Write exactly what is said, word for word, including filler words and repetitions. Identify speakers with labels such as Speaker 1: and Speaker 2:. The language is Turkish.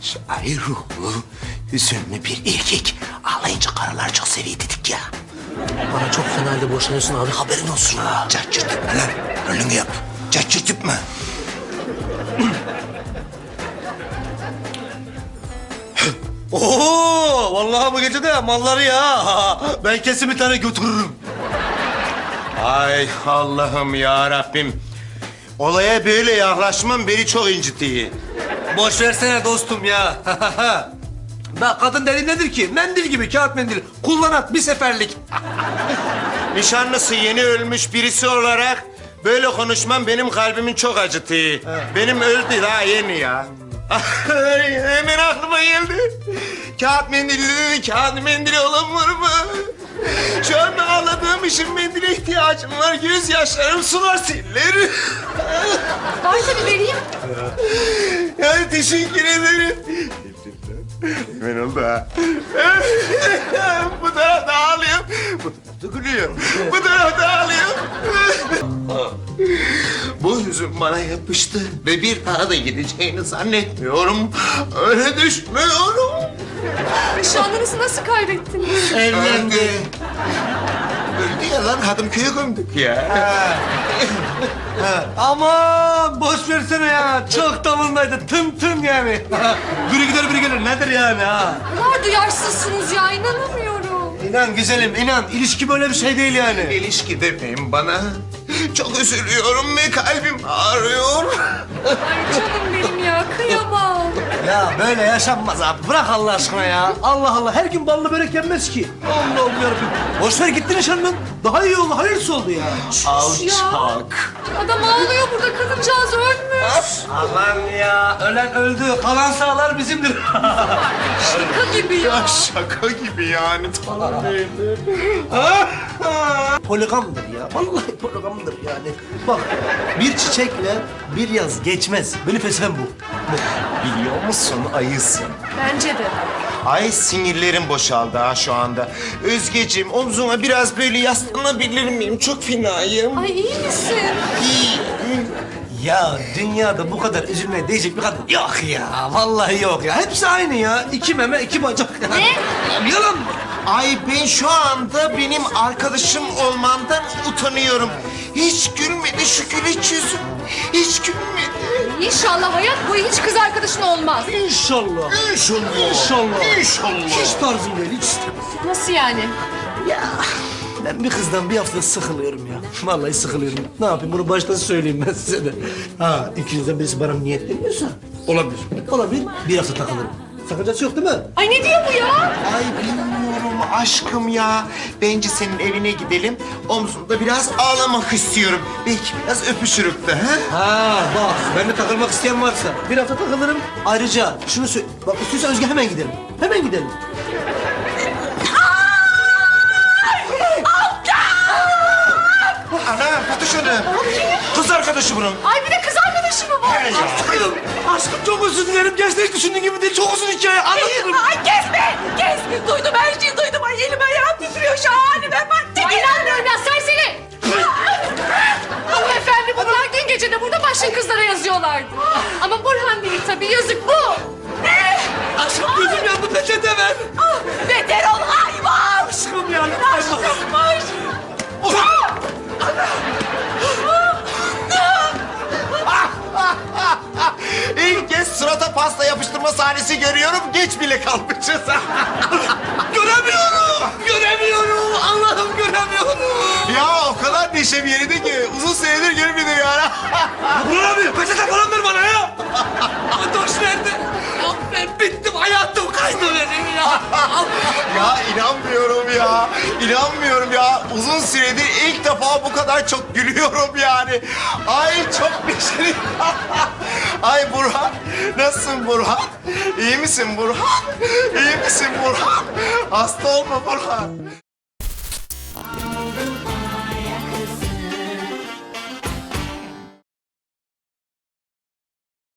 Speaker 1: Şair ruhlu, hüzünlü bir erkek. Ağlayınca karılar çok seviyor dedik ya.
Speaker 2: Bana çok fena halde boşanıyorsun abi, haberin olsun.
Speaker 1: Cart curt etme lan. Rolünü yap. Cart curt etme.
Speaker 2: Oo, vallahi bu gece de malları ya. Ben kesin bir tane götürürüm.
Speaker 1: Ay Allah'ım ya Rabbim. Olaya böyle yaklaşmam beni çok incitiyor.
Speaker 2: Boş versene dostum ya. Bak kadın dediğin nedir ki? Mendil gibi, kağıt mendil. Kullan at bir seferlik.
Speaker 1: Nişanlısı yeni ölmüş birisi olarak böyle konuşmam benim kalbimi çok acıtıyor. Benim öldü daha yeni ya. Hemen aklıma geldi. Kağıt mendili dedi, kağıt mendili olan var mı? Şu anda ağladığım için mendile ihtiyacım var. Gözyaşlarım sular siller.
Speaker 3: Var tabii, vereyim.
Speaker 1: Yani teşekkür ederim. Ben oldu ha. Bu tarafta ağlıyorum. Bu tarafta gülüyorum. Bu tarafta ağlıyorum. Bu hüzün bana yapıştı ve bir daha da gideceğini zannetmiyorum. Öyle düşmüyorum.
Speaker 3: Nişanlınızı nasıl kaybettiniz?
Speaker 1: Evlendi. Öldü ya lan, Hadımköy'e gömdük ya.
Speaker 2: Aman boş versene ya. Çok tavındaydı. Tım tım yani. Biri gider biri gelir. Nedir yani ha?
Speaker 3: Ne kadar duyarsızsınız ya, inanamıyorum.
Speaker 2: İnan güzelim, inan. İlişki böyle bir şey değil yani.
Speaker 1: İlişki demeyin bana. Çok üzülüyorum ve kalbim ağrıyor.
Speaker 3: Ay canım benim ya, kıyamam.
Speaker 2: Ya böyle yaşanmaz abi. Bırak Allah aşkına ya. Allah Allah. Her gün ballı börek yenmez ki. Allah Allah yarabbim. Boş ver gitti nişanlın. Daha iyi oldu. Hayırlısı oldu ya.
Speaker 1: Alçak.
Speaker 3: Adam ağlıyor burada, kadıncağız ölmüş.
Speaker 2: Aman ya. Ölen öldü. Kalan sağlar bizimdir.
Speaker 3: Şaka gibi ya.
Speaker 1: Şaka gibi yani. Tamam değildi.
Speaker 2: Poligamdır ya. Vallahi poligamdır yani. Bak bir çiçekle bir yaz geçmez. Benim felsefem bu. bu.
Speaker 1: Biliyor musun ayısın?
Speaker 3: Bence de.
Speaker 1: Ay sinirlerim boşaldı ha şu anda. Özgeciğim omzuna biraz böyle yaslanabilir miyim? Çok fenayım.
Speaker 3: Ay iyi misin?
Speaker 1: İyiyim.
Speaker 2: Ya dünyada bu kadar üzülmeye değecek bir kadın yok ya. Vallahi yok ya. Hepsi aynı ya. İki meme, iki bacak.
Speaker 3: Ne?
Speaker 2: Yalan mı?
Speaker 1: Ay ben şu anda benim arkadaşım olmamdan utanıyorum. Hiç gülmedi şu güleç yüzüm. Hiç gülmedi.
Speaker 3: İnşallah hayat boyu hiç kız arkadaşın olmaz.
Speaker 2: İnşallah.
Speaker 1: İnşallah.
Speaker 2: İnşallah.
Speaker 1: İnşallah.
Speaker 2: Hiç tarzım değil, hiç.
Speaker 3: Nasıl yani?
Speaker 2: Ya ben bir kızdan bir hafta sıkılıyorum ya. Vallahi sıkılıyorum. Ne yapayım bunu baştan söyleyeyim ben size de. Ha ikinizden birisi bana niyetleniyorsa olabilir. Olabilir. Bir hafta takılırım. Sakıncası yok değil mi?
Speaker 3: Ay ne diyor bu ya?
Speaker 1: Ay bilmiyorum aşkım ya. Bence senin evine gidelim. Omzumda biraz ağlamak istiyorum. Belki biraz öpüşürük de ha?
Speaker 2: Ha bak ben de takılmak isteyen varsa bir hafta takılırım. Ayrıca şunu söyle. Bak istiyorsan Özge hemen gidelim. Hemen gidelim.
Speaker 1: Ana Fatoş Hanım. Kız arkadaşı bunun.
Speaker 3: Ay bir de kız arkadaşı mı var?
Speaker 2: Aşkım, aşkım çok özür dilerim. Gerçekten hiç düşündüğün gibi değil. Çok uzun hikaye. Anlatırım.
Speaker 3: Ay kesme! Kes! Duydum her şeyi duydum. Ay elim ayağım titriyor şu halime bak. Ay inanmıyorum ya serseri! Hanımefendi bunlar dün gece de burada başka kızlara yazıyorlardı. Ama Burhan değil tabii, yazık bu. Ne?
Speaker 2: Aşkım gözüm yandı. Peçete ver.
Speaker 3: Ah, beter ol hayvan!
Speaker 2: Aşkım ya.
Speaker 3: Aşkımmış!
Speaker 1: İlk kez surata pasta yapıştırma sahnesi görüyorum. Geç bile kalmışız.
Speaker 2: Göremiyorum. Göremiyorum. Allah'ım göremiyorum.
Speaker 1: Ya o kadar neşem yerinde ki uzun senedir görmedim ya.
Speaker 2: Burhan abi peçete falan ver bana ya. Adoş nerede? Ya ben bittim. Hayatım kaydı benim ya.
Speaker 1: Ya inanmıyorum ya. İnanmıyorum ya. Uzun süredir ilk defa bu kadar çok gülüyorum yani. Ay çok neşeli. Ay Burhan. Nasılsın Burhan? İyi misin Burhan? İyi misin Burhan? Hasta olma Burhan.